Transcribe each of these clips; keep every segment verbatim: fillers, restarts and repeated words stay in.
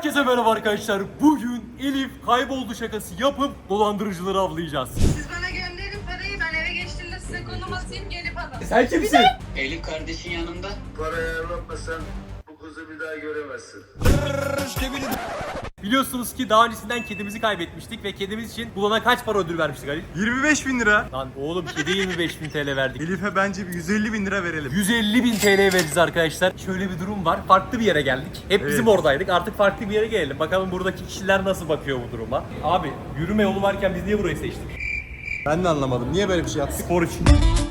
Herkese merhaba arkadaşlar. Bugün Elif kayboldu şakası yapıp dolandırıcıları avlayacağız. Siz bana gönderin parayı, ben eve geçtiğimde size konum atayım, gelip alın. Sen kimsin? Elif kardeşin yanında. Parayı ayarlatmasan bu kızı bir daha göremezsin. Biliyorsunuz ki daha öncesinden kedimizi kaybetmiştik ve kedimiz için bulana kaç para ödül vermiştik Ali? yirmi beş bin lira. Lan oğlum kediye yirmi beş bin T L verdik. Elif'e bence bir yüz elli bin lira verelim. yüz elli bin T L vereceğiz arkadaşlar. Şöyle bir durum var. Farklı bir yere geldik. Hep bizim Evet. oradaydık. Artık farklı bir yere gelelim. Bakalım buradaki kişiler nasıl bakıyor bu duruma. Abi yürüme yolu varken biz niye burayı seçtik? Ben de anlamadım. Niye böyle bir şey yaptık? Spor için.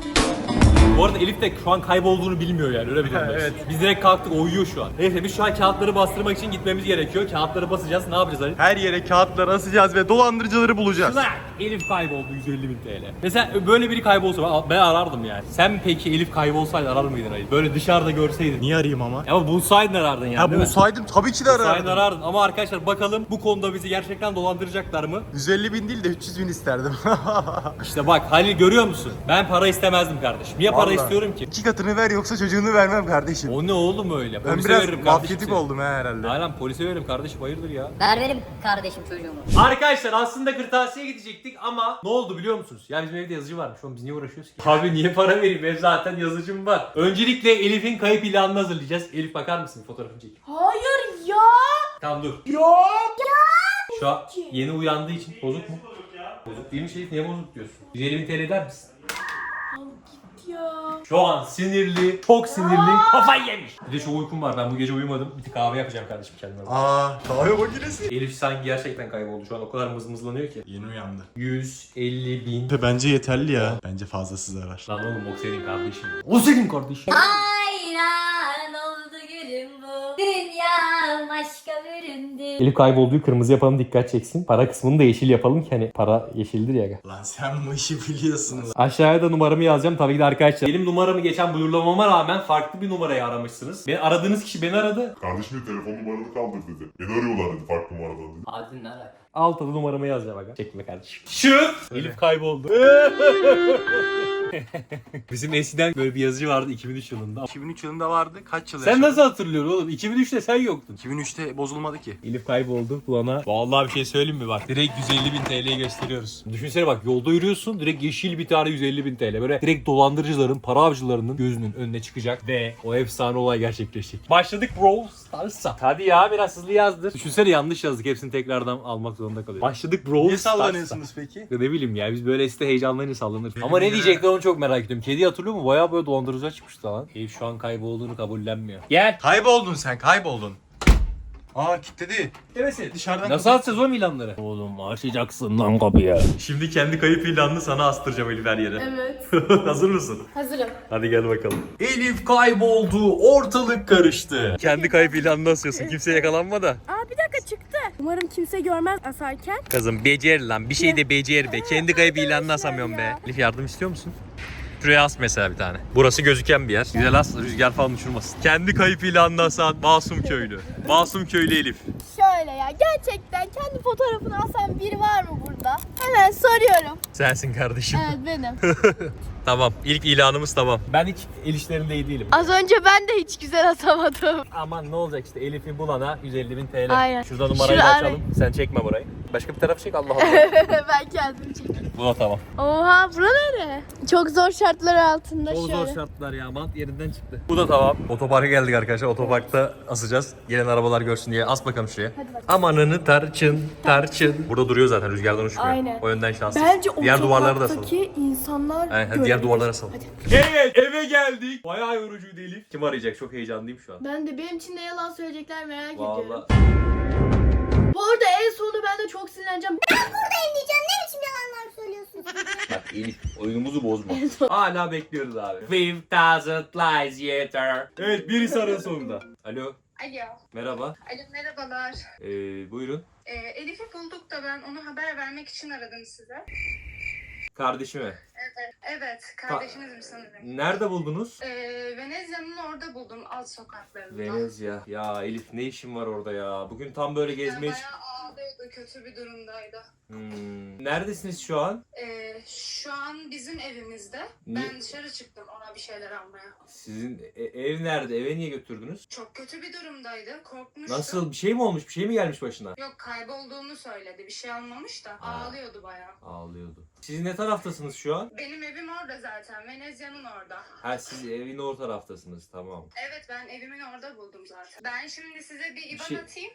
Bu arada Elif de şu an kaybolduğunu bilmiyor yani öyle bir durumda. Evet. Biz direkt kalktık, o uyuyor şu an. Neyse biz şu an kağıtları bastırmak için gitmemiz gerekiyor. Kağıtları basacağız. Ne yapacağız Ali? Her yere kağıtlar asacağız ve dolandırıcıları bulacağız. Şuna Elif kayboldu yüz elli bin T L. Mesela böyle biri kaybolsa ben, ben arardım yani. Sen peki Elif kaybolsaydı arar mıydın Ali? Böyle dışarıda görseydin. Niye arayayım ama? Ama bulsaydın arardın yani. Ha değil mi? bulsaydım tabii ki de Bulsaydın arardım. arardın. Ama arkadaşlar bakalım bu konuda bizi gerçekten dolandıracaklar mı? yüz elli bin değil de üç yüz bin isterdim. İşte bak Halil görüyor musun? Ben para istemezdim kardeşim. Niye para Vallahi. istiyorum ki? İki katını ver yoksa çocuğunu vermem kardeşim. O ne oğlum öyle? Ben Polise biraz veririm kardeşim mafyatik seni. oldum ha herhalde. Aynen polise veririm kardeşim, hayırdır ya. Ver verim kardeşim çocuğumu. Arkadaşlar aslında kırtasiye gidecektik ama ne oldu biliyor musunuz? Ya bizim evde yazıcı varmış. Oğlum biz niye uğraşıyoruz ki? Abi niye para vereyim? Ev zaten yazıcım var. Öncelikle Elif'in kayıp ilanını hazırlayacağız. Elif bakar mısın? Fotoğrafını çek. Hayır ya. Tamam dur. Yok. Şu an yeni uyandığı için bozuk mu? Bozuk değil mi Şerif? Niye bozuk diyorsun? yüz elli bin T L eder misin? Ya. Şu an sinirli, çok sinirli, kafayı yemiş. Bir de çok uykum var. Ben bu gece uyumadım. Bir tık kahve yapacağım kardeşim kendime. Aa kahve makinesi. Elif sanki gerçekten kayboldu. Şu an o kadar mızmızlanıyor ki. Yeni uyandı. yüz elli bin. Bence yeterli ya. Bence fazlası zarar. Lan oğlum o senin kardeşin. O senin kardeşin. Aynen oldu gülüm bu. Dünya başka büründü. Elif kaybolduğu kırmızı yapalım, dikkat çeksin. Para kısmını da yeşil yapalım ki hani para yeşildir ya. Lan sen bu işi biliyorsun. Aşağıya da numaramı yazacağım tabii ki de arkadaşlar. Benim numaramı geçen buyurlamama rağmen farklı bir numarayı aramışsınız. Beni aradığınız kişi beni aradı. Kardeşim de telefon numaranı kaldır dedi. Beni arıyorlar dedi farklı numaradan dedi. Abi ne alaka? Altta da numaramı yazacağım aga. Çekme kardeşim. Şu Elif kayboldu. Bizim eskiden böyle bir yazıcı vardı iki bin üç yılında. iki bin üç yılında vardı. Kaç yıl Sen yaşadın? nasıl hatırlıyorsun oğlum? iki bin üçte sen yoktun. iki bin üçte bozulmadı ki. Elif kayboldu kulağına. Vallahi bir şey söyleyeyim mi bak. Direkt yüz elli bin T L'yi gösteriyoruz. Düşünsene bak, yolda yürüyorsun, direkt yeşil bir tane yüz elli bin T L. Böyle direkt dolandırıcıların, para avcılarının gözünün önüne çıkacak ve o efsane olay gerçekleşecek. Başladık bro. Starsa. Hadi ya biraz hızlı yazdır. Düşünsene yanlış yazdık. Hepsini tekrardan almak zorunda kalıyoruz. Başladık bro. Niye Starsa. sallanıyorsunuz peki? Ne bileyim ya, biz böyle site heyecanlarıyla sallanır. Ama ne diyecekler onu çok merak ediyorum. Kedi hatırlıyor mu? Bayağı böyle dolandırıcılar çıkmıştı lan. Elif şu an kaybolduğunu kabullenmiyor. Gel. Kayboldun sen kayboldun. Aa kilitledi. Demesin. Dışarıdan Nasıl atacağız o ilanları? Oğlum açacaksın lan kapıyı. Şimdi kendi kayıp ilanını sana astıracağım Elif her yere. Evet. Hazır mısın? Hazırım. Hadi gel bakalım. Elif kayboldu, ortalık karıştı. Kendi kayıp ilanını asıyorsun, kimse yakalanma da. Aa bir dakika çıktı. Umarım kimse görmez asarken. Kızım becer lan, bir şey de becer be. Kendi kayıp ilanını asamıyorum be. Elif yardım istiyor musun? Şuraya as mesela bir tane. Burası gözüken bir yer. Güzel as, rüzgar falan uçurmasın. Kendi kayıp ilanını asan Masum Köylü. Masum Köylü Elif. Şöyle ya, gerçekten kendi fotoğrafını asan biri var mı burada? Hemen soruyorum. Sensin kardeşim. Evet benim. Tamam, ilk ilanımız tamam. Ben hiç el işlerinde iyi değilim. Az önce ben de hiç güzel atamadım. Aman ne olacak işte, Elif'i bulana yüz elli bin T L. Aynen. Şurada numarayı da Şurada- açalım. Sen çekme burayı. Başka bir tarafı çek, Allah Allah. Ben kendim çekeyim. Bu da tamam. Oha bura nere? Çok zor şartlar altında Çok şöyle. zor şartlar ya, bant yerinden çıktı. Bu da tamam. Otoparka geldik arkadaşlar. Otoparkta asacağız. Gelen arabalar görsün diye. As bakalım şuraya. Amanını tarçın, tarçın. Burada duruyor zaten, rüzgardan uçmuyor. Aynen. O yönden şanslıyız. Bence Diğer duvarları da asalım. otoparktaki insanlar Aynen, hadi diğer görebilir. duvarlara asalım. Evet, eve geldik. Bayağı yorucuydu Elif. Kim arayacak? Çok heyecanlıyım şu an. Ben de benim için de yalan söyleyecekler merak Vallahi. ediyorum. Bu arada en sonunda ben de çok sinirleneceğim. Bak Elif, oyunumuzu bozma. Hala bekliyoruz abi. Five thousand lies yeter. Evet, birisi arıyor sonunda. Alo, Alo. merhaba. Alo merhabalar. Ee, buyurun. Ee, Elif'i bulduk da ben onu haber vermek için aradım size. Kardeşime. Evet. Evet. Kardeşinizim sanırım. Nerede buldunuz? Ee, Venezya'nın orada buldum, alt sokaklarında. Venezia. Ya Elif, ne işin var orada ya? Bugün tam böyle gezmeye... Bayağı ağlıyordu da kötü bir durumdaydı. Hmm. Neredesiniz şu an? Ee, şu an bizim evimizde. Niye? Ben dışarı çıktım ona bir şeyler almaya. Sizin e- ev nerede? Eve niye götürdünüz? Çok kötü bir durumdaydı. Korkmuştu. Nasıl? Bir şey mi olmuş? Bir şey mi gelmiş başına? Yok, kaybolduğunu söyledi. Bir şey almamış da. Ha. Ağlıyordu bayağı. Ağlıyordu. Siz ne taraftasınız şu an? Benim evim orada zaten. Venezya'nın orada. Ha, siz evin o taraftasınız. Tamam. Evet, ben evimin orada buldum zaten. Ben şimdi size bir IBAN şey- atayım.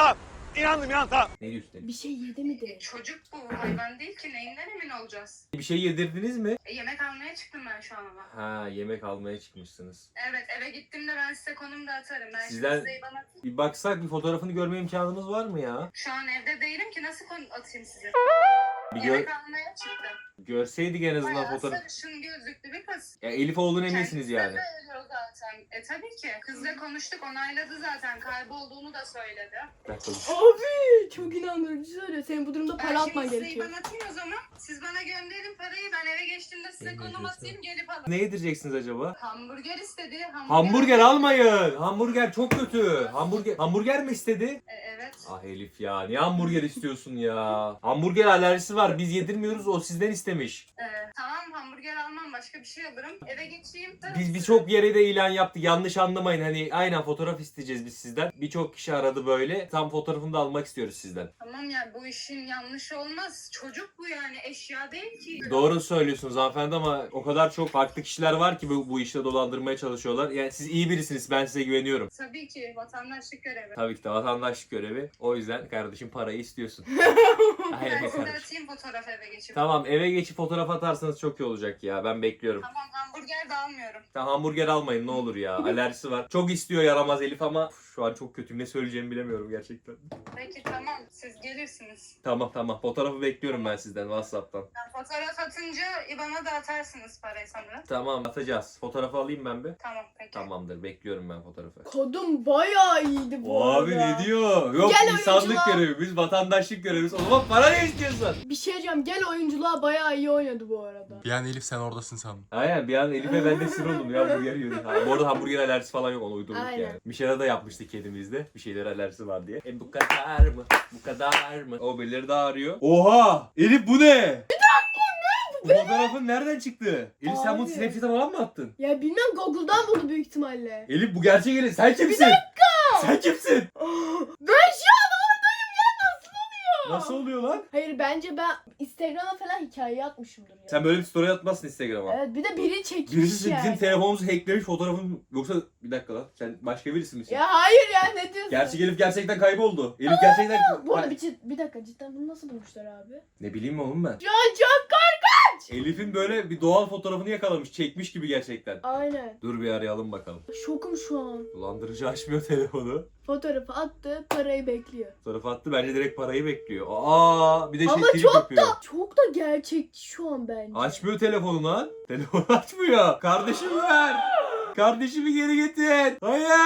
Ne diyorsun? Bir şey yedi mi de? Çocuk bu, hayvan değil ki. Neyinden emin olacağız? Bir şey yedirdiniz mi? E, yemek almaya çıktım ben şu an ama. Ha, yemek almaya çıkmışsınız. Evet, eve gittiğimde ben size konum da atarım. Ben Sizden- şimdi size IBAN atayım. Bir baksak, bir fotoğrafını görme imkanımız var mı ya? Şu an evde değilim ki, nasıl konum atayım size? Bir gör, Yemek almaya çıktım. görseydik en azından Bayağı fotoğraf. sarışın gözlüklü bir kız. Ya Elif olduğunu eminsiniz Kendisi yani. de ölüyor zaten. E tabii ki. Kızla konuştuk, onayladı zaten. Kaybolduğunu da söyledi. Bir dakika. Abi çok inandırıcı söylüyor. Senin bu durumda Ben para atman şimdi size gerekiyor. IBAN atayım o zaman. Siz bana gönderin parayı. Ben eve geçtiğimde size Ne konum diyorsun? atayım, gelip alın. Ne yedireceksiniz acaba? Hamburger istedi. Hamburger almayın. Hamburger çok kötü. Hamburger hamburger mi istedi? E, evet. Ah Elif ya, niye hamburger istiyorsun ya? Hamburger alerjisi var. Biz yedirmiyoruz, o sizden istemiş. E, tamam, hamburger almam, başka bir şey alırım. Eve geçeyim. Biz birçok yere de ilan yaptık. Yanlış anlamayın. Hani aynen fotoğraf isteyeceğiz biz sizden. Birçok kişi aradı böyle. Tam fotoğrafını da almak istiyoruz sizden. Tamam ya, bu işin yanlışı olmaz. Çocuk bu yani, eşya değil ki. Doğru söylüyorsunuz hanımefendi ama o kadar çok farklı kişiler var ki bu, bu işte dolandırmaya çalışıyorlar. Yani siz iyi birisiniz. Ben size güveniyorum. Tabii ki, vatandaşlık görevi. Tabii ki de vatandaşlık görevi. O yüzden kardeşim parayı istiyorsun. Aynen Ben size kardeşim. atayım fotoğraf eve geçip. Tamam, eve geçip fotoğraf atarsanız çok iyi olacak ya. Ben bekliyorum. Tamam, hamburger de almıyorum. Tamam, hamburger almayın ne olur ya. Alerjisi var. Çok istiyor yaramaz Elif ama uf, şu an çok kötüyüm. Ne söyleyeceğimi bilemiyorum gerçekten. Peki tamam, siz gelirsiniz. Tamam tamam. Fotoğrafı bekliyorum ben sizden WhatsApp'tan. Ben fotoğraf atınca IBAN'a da atarsınız parayı sanırım. Tamam, atacağız. Fotoğrafı alayım ben bir. Tamam peki. Tamamdır. Bekliyorum ben fotoğrafı. Kadın bayağı iyiydi bu arada. diyor? Yok Gel insanlık oyunculuğa. görevi. Biz vatandaşlık göreviz. O zaman para ne istiyorsun? Bir şey diyeceğim. Gel oyunculuğa bayağı iyi oynadı bu arada. Bir an Elif sen oradasın sandım. Aynen, bir an Elif'e ben de sinir oldum ya, hamburger yiyordu. Ha, bu arada hamburger alerjisi falan yok, onu uydurduk Aynen. yani. Bir şeyler de yapmıştık kedimizde. Bir şeyler alerjisi var diye. E bu kadar mı? Bu kadar mı? O birileri daha arıyor. Oha! Elif bu ne? Bir dakika, ne? Bu fotoğrafın nereden çıktı? Elif sen bunu Abi. Snapchat'e falan mı attın? Ya bilmem, Google'dan buldu büyük ihtimalle. Elif bu gerçek Elif. Sen kimsin? Bir dakika! Sen kimsin? Ben şu an oradayım ya, nasıl oluyor? Nasıl oluyor lan? Hayır, bence ben Instagram'a falan hikaye atmışımdır ya. Sen böyle bir story atmazsın Instagram'a. Evet, bir de biri çekmiş Birisi yani. bizim telefonumuzu hacklemiş fotoğrafın. Yoksa bir dakika lan. Sen başka birisi misin? Ya hayır ya, ne diyorsun? Gerçek Elif gerçekten kayboldu. Elif gerçekten... Bu arada bir, cid- bir dakika, cidden bunu nasıl bulmuşlar abi? Ne bileyim oğlum ben. Ya çok korkunç. Elif'in böyle bir doğal fotoğrafını yakalamış. Çekmiş gibi gerçekten. Aynen. Dur bir arayalım bakalım. Şokum şu an. Dolandırıcı açmıyor telefonu. Fotoğrafı attı, parayı bekliyor. Fotoğrafı attı, bence direkt parayı bekliyor. Aa, bir de şey Ama trip çok yapıyor. Çok da gerçekçi şu an bence. Açmıyor telefonu lan. Telefonu açmıyor. Kardeşimi ver. Kardeşimi geri getir.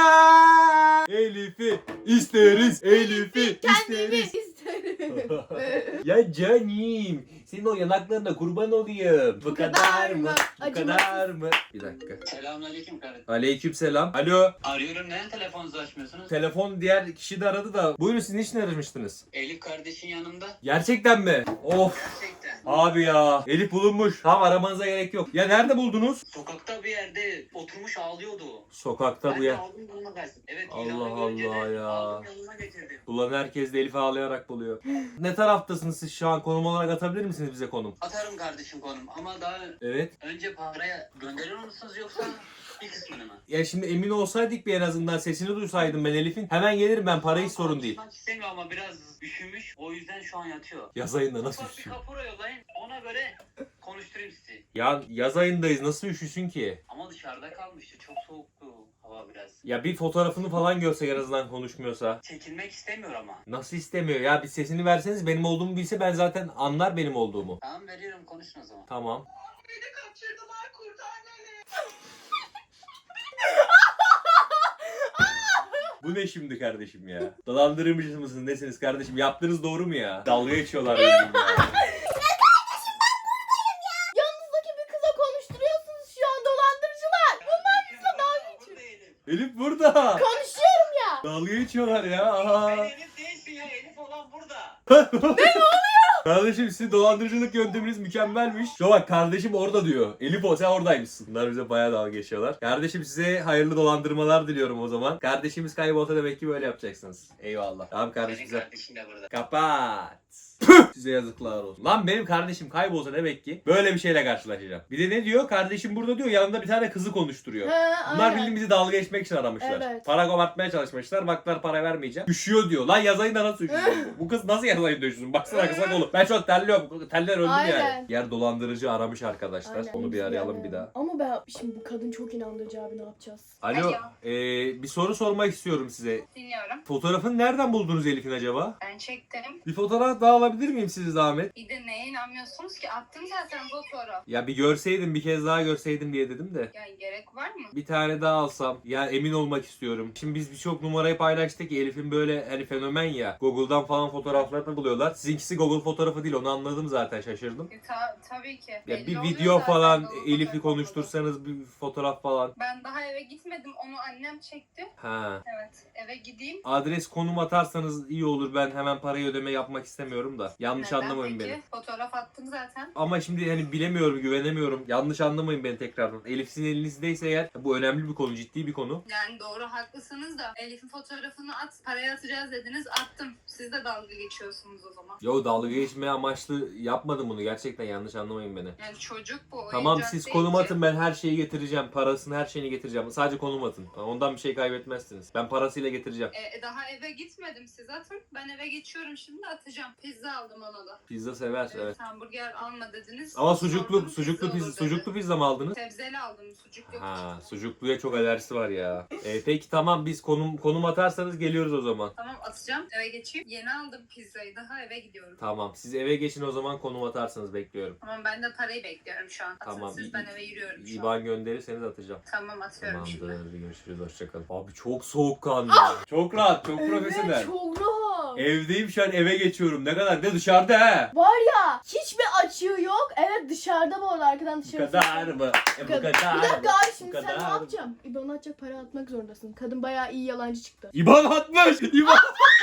Hayır. Elif'i isteriz. Elif'i Kendimi isteriz. isterim. Ya canim, senin o yanaklarına kurban olayım. Bu kadar mı? Bu Acımasız. kadar mı? Bir dakika. Selamünaleyküm kardeşim. Aleykümselam. Alo. Arıyorum, neden telefonunuzu açmıyorsunuz? Telefon diğer kişi de aradı da. Buyurun, siz niçin aramıştınız? Elif kardeşin yanında. Gerçekten mi? Of. Gerçekten. Abi ya. Elif bulunmuş. Tamam, aramanıza gerek yok. Ya nerede buldunuz? Sokakta bir yerde oturmuş ağlıyordu. Sokakta Ben bu de ya. aldım yanına verdim. Evet, Allah ilanı görünce de Allah ya. aldım yanına getirdim. Ulan herkes de Elif'i ağlayarak buluyor. Ne taraftasınız siz şu an? Konum olarak atabilir misiniz bize konum? Atarım kardeşim konum ama daha Evet. önce paraya gönderiyor musunuz yoksa bir kısmını mı? Ya şimdi emin olsaydık bir en azından sesini duysaydım ben Elif'in. Hemen gelirim ben, para hiç sorun değil. Konuşmak istemiyor ama biraz üşümüş, o yüzden şu an yatıyor. Yaz ayında nasıl Ufak bir üşüsün? kapora yollayın, ona göre konuşturayım sizi. Ya yaz ayındayız, nasıl üşüsün ki? Ama dışarıda kalmıştı, çok soğuktu hava biraz. Ya bir fotoğrafını falan görsek en azından, konuşmuyorsa. Çekilmek istemiyor ama. Nasıl istemiyor ya? Bir sesini verseniz, benim olduğumu bilse ben zaten anlar benim olduğumu. Tamam, veriyorum, konuşun o zaman. Tamam. Beni kaçırdılar, kurtar beni. Bu ne şimdi kardeşim ya? Dolandırıcı mısınız, nesiniz kardeşim? Yaptığınız doğru mu ya? Dalga geçiyorlar benim ya. Yanınızdaki bir kıza konuşturuyorsunuz şu an, dolandırıcılar. Bunlar bizle dalga geçiyor. Elif burada. Konuşuyorum ya. Dalga geçiyorlar ya. Ben Aha. Elif değilsin ya, Elif olan burada. Kardeşim sizin dolandırıcılık yönteminiz mükemmelmiş. Şu bak kardeşim orada diyor. Elif o sen oradaymışsın. Bunlar bize bayağı dalga geçiyorlar. Kardeşim size hayırlı dolandırmalar diliyorum o zaman. Kardeşimiz kaybolsa demek ki böyle yapacaksınız. Eyvallah. Tamam kardeşim. Benim Güzel. kardeşim de burada. Kapat. Püh! Size yazıklar olsun. Lan benim kardeşim kaybolsa demek ki böyle bir şeyle karşılaşacağım. Bir de ne diyor? Kardeşim burada diyor. Yanında bir tane kızı konuşturuyor. He, Bunlar aynen. bildiğin bizi dalga geçmek için aramışlar. Evet. Para kopartmaya çalışmışlar. Baklar para vermeyeceğim. Üşüyor diyor. Lan yaz ayında nasıl üşüyorsun? bu? Bu kız nasıl yaz ayında üşüsün? Baksana kısa kolu. Ben çok terliyorum. Teller öldüm Aynen. yani. Yer dolandırıcı aramış arkadaşlar. Aynen. Onu bir arayalım bir daha. Ama ben şimdi bu kadın çok inandırıcı abi, ne yapacağız? Alo. Alo. Ee, bir soru sormak istiyorum size. Dinliyorum. Fotoğrafını nereden buldunuz Elif'in acaba? Ben çektim. Bir fotoğraf daha alabilir miyim sizi zahmet? Bir de neye inanmıyorsunuz ki? Attım zaten fotoğraf. Ya bir görseydim, bir kez daha görseydim diye dedim de. Yani gerek var mı? Bir tane daha alsam. Ya emin olmak istiyorum. Şimdi biz birçok numarayı paylaştık. Elif'in böyle hani fenomen ya. Google'dan falan fotoğraflarını buluyorlar. Sizinkisi Google fotoğrafı değil. Onu anladım zaten, şaşırdım. E, ta- tabii ki. Ya Belli bir oluyor video zaten falan Google Elif'i fotoğrafı konuştursanız bir fotoğraf falan. olduğunu. Ben daha eve gitmedim. Onu annem çekti. Ha. Evet. Eve gideyim. Adres konum atarsanız iyi olur. Ben hemen parayı ödeme yapmak istemiyorum da. Yanlış Neden anlamayın peki? beni. Fotoğraf attım zaten. Ama şimdi hani bilemiyorum, güvenemiyorum. Yanlış anlamayın beni tekrardan. Elif sizin elinizdeyse eğer bu önemli bir konu, ciddi bir konu. Yani doğru, haklısınız da Elif'in fotoğrafını at. Paraya atacağız dediniz. Attım. Siz de dalga geçiyorsunuz o zaman. Yo, dalga geçmeye amaçlı yapmadım bunu. Gerçekten yanlış anlamayın beni. Yani çocuk bu. Tamam oyuncak siz değil konum ki. atın, ben her şeyi getireceğim. Parasını, her şeyini getireceğim. Sadece konum atın. Ondan bir şey kaybetmezsiniz. Ben parasıyla getireceğim. E, daha eve gitmedim, siz atın. Ben eve geçiyorum şimdi, atacağım. Pizza aldım ona da. Pizza sever, Evet, evet. hamburger alma dediniz. Ama sucuklu Sordum, sucuklu pizza pizza, olur dedi. sucuklu pizza mı aldınız? Sebzeli aldım, sucuk yok. Ha, sucukluya çok alerjisi var ya. E, peki tamam, biz konum konum atarsanız geliyoruz o zaman. Tamam, atacağım, eve geçeyim. Yeni aldım pizzayı, daha eve gidiyorum. Tamam, siz eve geçin o zaman, konum atarsanız bekliyorum. Tamam, ben de parayı bekliyorum şu an. Atın Tamam. siz, ben eve yürüyorum şu an. İban gönderirseniz atacağım. Tamam, atıyorum şimdi. Tamamdır, görüşürüz, hoşçakalın. Abi çok soğukkanlı. Çok rahat, çok profesyonel. Evet, çok rahat. Evdeyim şu an, eve geçiyorum. Ne kadar de dışarıda he. Var ya, hiçbir açığı yok. Evet, dışarıda bu arada, arkadan Bu dışarı. kadar mı? E, bu kadar Bir dakika abi, şimdi Bu sen ne kadar. yapacaksın? İban'a atacak para atmak zorundasın. Kadın bayağı iyi yalancı çıktı. İban atmış. İban.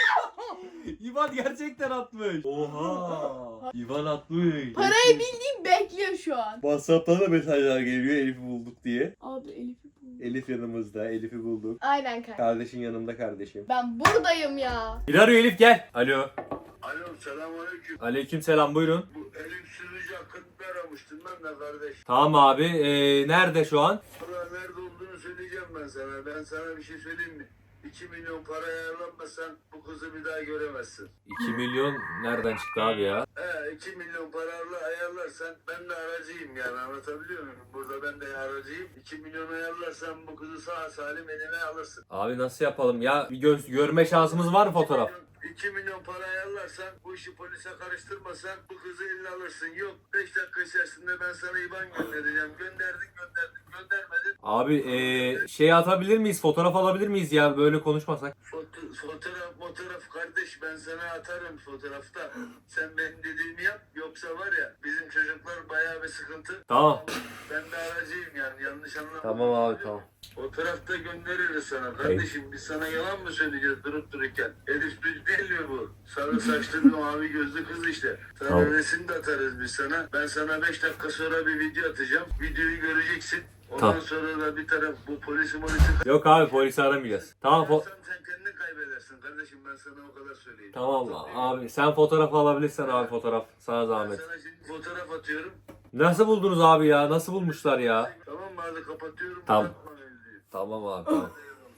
İban gerçekten atmış. Oha. İban atmış. Parayı bildiğin bekliyor şu an. WhatsApp'tan da mesajlar geliyor Elif'i bulduk diye. Abi Elif'i buldum. Elif yanımızda. Elif'i bulduk. Aynen kanka. Kardeşin yanımda kardeşim. Ben buradayım ya. Bir arıyor Elif, gel. Alo. Alo selamünaleyküm. Aleyküm selam, buyurun. Bu Elif sürücü hakkında aramıştım ben de kardeş. Tamam abi. Ee, nerede şu an? Valla nerede olduğunu söyleyeceğim ben sana. Ben sana bir şey söyleyeyim mi? iki milyon para ayarlanmasan bu kızı bir daha göremezsin. iki milyon nereden çıktı abi ya? He iki milyon parayla ayarlarsan ben de aracıyım yani, anlatabiliyor muyum? Burada ben de aracıyım. iki milyon ayarlarsan bu kızı sağ salim eline alırsın. Abi nasıl yapalım ya? Bir göz görme şansımız var mı fotoğraf? iki milyon para ayarlarsan, bu işi polise karıştırmasan bu kızı eline alırsın. Yok beş dakika içerisinde ben sana IBAN göndereceğim. Gönderdin gönderdin göndermedin. Abi ee, şey atabilir miyiz? Fotoğraf alabilir miyiz ya? Böyle konuşmasak. Foto- fotoğraf fotoğraf kardeş, ben sana atarım fotoğrafta. Sen benim dediğimi yap, yoksa var ya bizim çocuklar bayağı bir sıkıntı. Tamam. Ben de aracıyım yani, yanlış anlama. Tamam abi, tamam. Fotoğrafta göndeririz sana kardeşim. Biz sana yalan mı söyleyeceğiz durup dururken? Elif Düz değil mi bu? Sarı saçlı bir mavi gözlü kız işte. Sana Tamam. resim de atarız biz sana. Ben sana beş dakika sonra bir video atacağım. Videoyu göreceksin. Ondan Tamam. sonra da bir taraf bu polisi polisi Yok abi, polisi aramayacağız. Tamam fo- sen, sen kendini kaybedersin kardeşim, ben sana o kadar söyleyeyim. Tamam abi, sen fotoğraf alabilirsen abi, fotoğraf. Sana Ben zahmet. sana şimdi fotoğraf atıyorum. Nasıl buldunuz abi ya? Nasıl bulmuşlar ya? Tamam mı? Hadi kapatıyorum. Tamam. Bırakma mevzuyu. Tamam abi, tamam.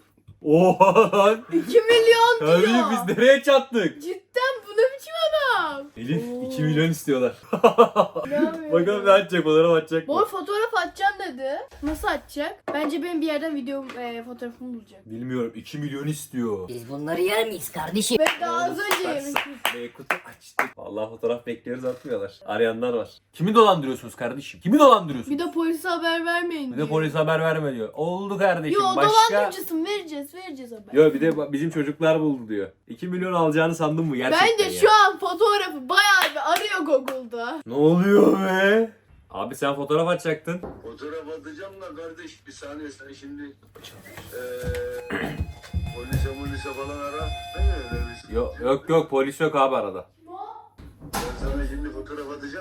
Oha! iki milyon diyor. Kardeşim biz nereye çattık? Cidden bu ne biçim adam? Elif Oo. iki milyon istiyorlar. Ne yapıyor? Bakalım ne atacak, fotoğraf atacak Bu mı? fotoğraf atacağım dedi. Nasıl atacak? Bence benim bir yerden video e, fotoğrafımı bulacak. Bilmiyorum, iki milyon istiyor. Biz bunları yer miyiz kardeşim? Ben daha az önce yemiştim. E, kutu açtık. Vallahi fotoğraf bekliyoruz, atmıyorlar. Arayanlar var. Kimi dolandırıyorsunuz kardeşim? Kimi dolandırıyorsunuz? Bir de polise haber vermeyin Bir diyor. de polis haber verme diyor. Oldu kardeşim. Yo, Başka... dolandırıcısın, vereceğiz vereceğiz haber. Yo, bir de ba- bizim çocuklar buldu diyor. iki milyon alacağını sandın mı gerçekten Bence ya? şu an fotoğrafı bayağı bir arıyor Google'da. Ne oluyor be? Abi sen fotoğraf atacaktın. Fotoğraf atacağım da kardeş, bir saniye, sen şimdi eee polise molise falan ara. Ne öyle bir Yok yok yok, polis yok abi arada.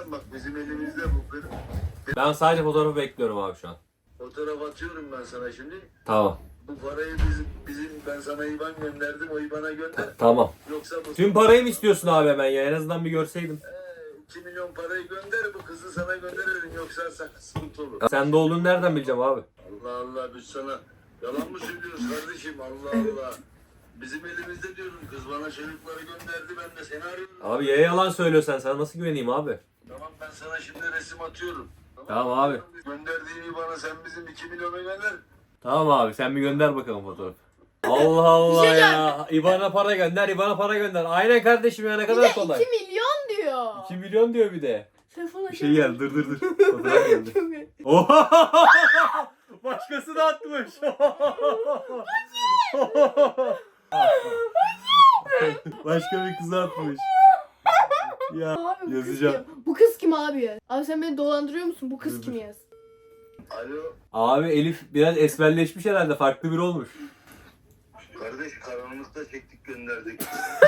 göndereceğim bak bizim elimizde bu. Benim Ben sadece fotoğrafı bekliyorum abi şu an. fotoğraf atıyorum ben sana şimdi. Tamam. Bu parayı bizim, bizim ben sana IBAN gönderdim o IBAN'a gönder. Tamam. Yoksa bu Tüm parayı mı istiyorsun abi hemen ya? En azından bir görseydim. iki milyon parayı gönder bu kızı sana gönderirim yoksa sana sıkıntı olur. Sende olduğunu nereden bileceğim abi? Allah Allah biz sana yalan mı söylüyoruz kardeşim Allah Allah. Bizim elimizde diyorum kız bana çocukları gönderdi ben de seni arıyorum. Abi ya yalan söylüyorsan sana nasıl güveneyim abi? Tamam ben sana şimdi resim atıyorum. Tamam abi. Gönderdiğini bana sen bizim iki milyona gönder. Tamam abi sen bir gönder bakalım fotoğrafı. Allah Allah Bir şey ya. İBAN'a para gönder, İBAN'a para gönder. Aynen kardeşim ya ne Bir kadar de kolay. iki milyon diyor. iki milyon diyor bir de. Telefona Bir şey geldi dur dur dur. Fotoğraf geldi. Oha! Başkası da atmış. Başka bir kız atmış. Ya Abi, bu yazacağım. Kız kim? Bu kız kim abi? Abi sen beni dolandırıyor musun? Bu kız Dur, kim dur. yaz? Alo Abi Elif biraz esmerleşmiş herhalde. Farklı biri olmuş. kardeş karanlıkta çektik gönderdik.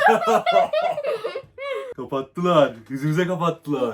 Kapattılar. Yüzümüze kapattılar.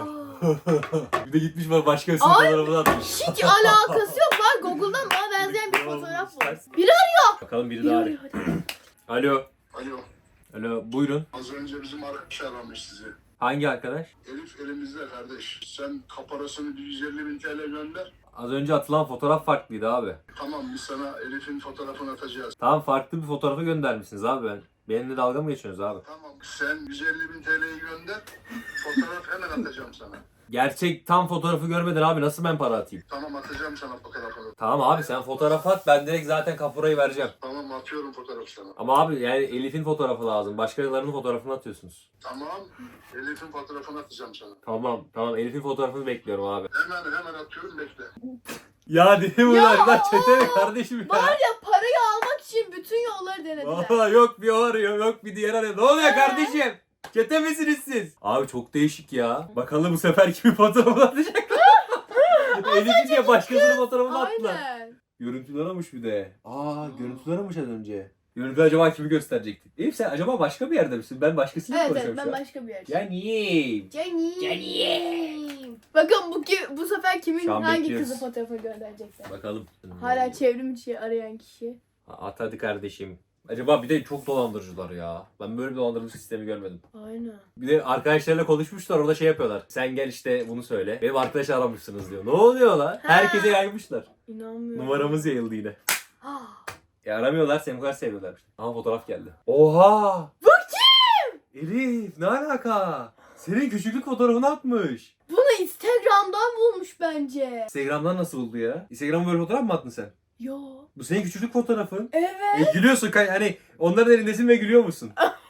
Bir de gitmiş bak başkasının Ay. fotoğrafını atmış. Hiç alakası yok lan. Google'dan bana benzeyen bir fotoğraf var. Biri Bakalım biri biri daha arıyor. arıyor. Hadi. Alo. Alo Alo buyurun. az önce bizim arkadaş aramış sizi. Hangi arkadaş? Elif elimizde kardeş. Sen kaparasını bir yüz elli bin T L gönder. Az önce atılan fotoğraf farklıydı abi. Tamam biz sana Elif'in fotoğrafını atacağız. Tamam farklı bir fotoğrafı göndermişsiniz abi ben. Benimle dalga mı geçiyorsunuz abi? Tamam sen yüz elli bin T L'yi gönder. Fotoğraf hemen atacağım sana. Gerçek tam fotoğrafı görmeden abi nasıl ben para atayım? Tamam atacağım sana fotoğrafını. Tamam abi sen fotoğraf at ben direkt zaten kaporayı vereceğim. Tamam atıyorum fotoğrafı sana. Ama abi yani Elif'in fotoğrafı lazım. Başkalarının fotoğrafını atıyorsunuz. Tamam Elif'in fotoğrafını atacağım sana. Tamam tamam Elif'in fotoğrafını bekliyorum abi. Hemen hemen atıyorum bekle. Ya değil mi Ya, lan? Lan çete mi kardeşim Var ya? ya parayı almak için bütün yolları denediler. Aa, yok bir o arıyor yok bir diğer arıyor. Ne oluyor kardeşim? Çete misiniz siz? Abi çok değişik ya. Bakalım bu sefer kimin fotoğrafını atacaklar. Elif'in diye başkasının fotoğrafını attılar. Aynen. Görüntüler almış bir de. Aa görüntüler almış az önce. Görüntü acaba kimi gösterecekti? Elif sen acaba başka bir yerde misin? Ben başkasıyla Evet evet konuşuyorum ben şu an. başka bir yer. Canim. Canim. Canim. Bakın bu ki bu sefer kimin Şu an hangi bekliyoruz. kızı fotoğrafı gönderecekler. Bakalım. Hala çevrim içi arayan kişi. At hadi kardeşim. Acaba bir de çok dolandırıcılar ya. Ben böyle bir dolandırıcı sistemi görmedim. Aynen. Bir de arkadaşlarıyla konuşmuşlar orada şey yapıyorlar. Sen gel işte bunu söyle. Benim arkadaş aramışsınız diyor. Ne oluyor lan? Herkese yaymışlar. İnanmıyorum. Numaramız yayıldı yine. Ah. Ya aramıyorlar seni bu kadar seviyorlar. Ama fotoğraf geldi. Oha! Bu kim? Elif ne alaka? Senin küçüklük fotoğrafını atmış. Bunu Instagram'dan bulmuş bence. Instagram'dan nasıl buldu ya? Instagram'a böyle fotoğraf mı attın sen? Yo. Bu senin küçüklük fotoğrafın. Evet. E, gülüyorsun kay- hani onların elindesin ve gülüyor musun?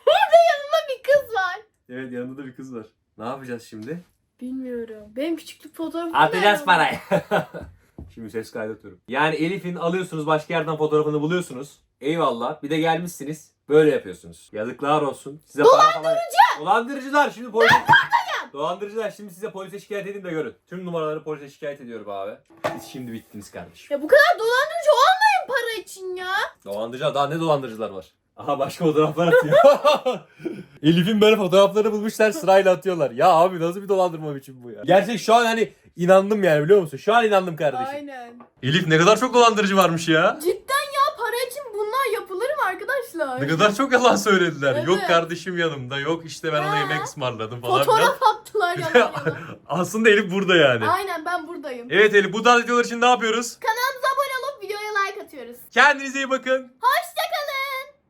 Bir kız var. Evet yanında da bir kız var. Ne yapacağız şimdi? Bilmiyorum. Benim küçüklük fotoğrafım Atacağız nerede? parayı. Şimdi ses kaydatıyorum. Yani Elif'in alıyorsunuz başka yerden fotoğrafını buluyorsunuz. Eyvallah. Bir de gelmişsiniz. Böyle yapıyorsunuz. Yazıklar olsun. Size Dolandırıcı. Falan... Dolandırıcılar. Şimdi polis... Dolandırıcılar. Şimdi size polise şikayet edin de görün. Tüm numaraları polise şikayet ediyorum abi. Siz şimdi bittiniz kardeşim. Ya bu kadar dolandırıcı olmayın para için ya. Dolandırıcılar. Daha ne dolandırıcılar var? Aha başka fotoğraflar atıyor. Elif'in böyle fotoğrafları bulmuşlar sırayla atıyorlar. Ya abi nasıl bir dolandırma biçimi bu ya? Gerçek şu an hani inandım yani biliyor musun? Şu an inandım kardeşim. Aynen. Elif ne kadar çok dolandırıcı varmış ya. Cidden ya para için bunlar yapılır mı arkadaşlar? Ne kadar çok yalan söylediler. Evet. Yok kardeşim yanımda. Yok işte ben ona Ha. yemek ısmarladım falan. Fotoğraf attılar filan. yalan yalan. Aslında Elif burada yani. Aynen ben buradayım. Evet Elif bu tarz videolar için ne yapıyoruz? Kanalımıza abone olup videoya like atıyoruz. Kendinize iyi bakın. Hoşça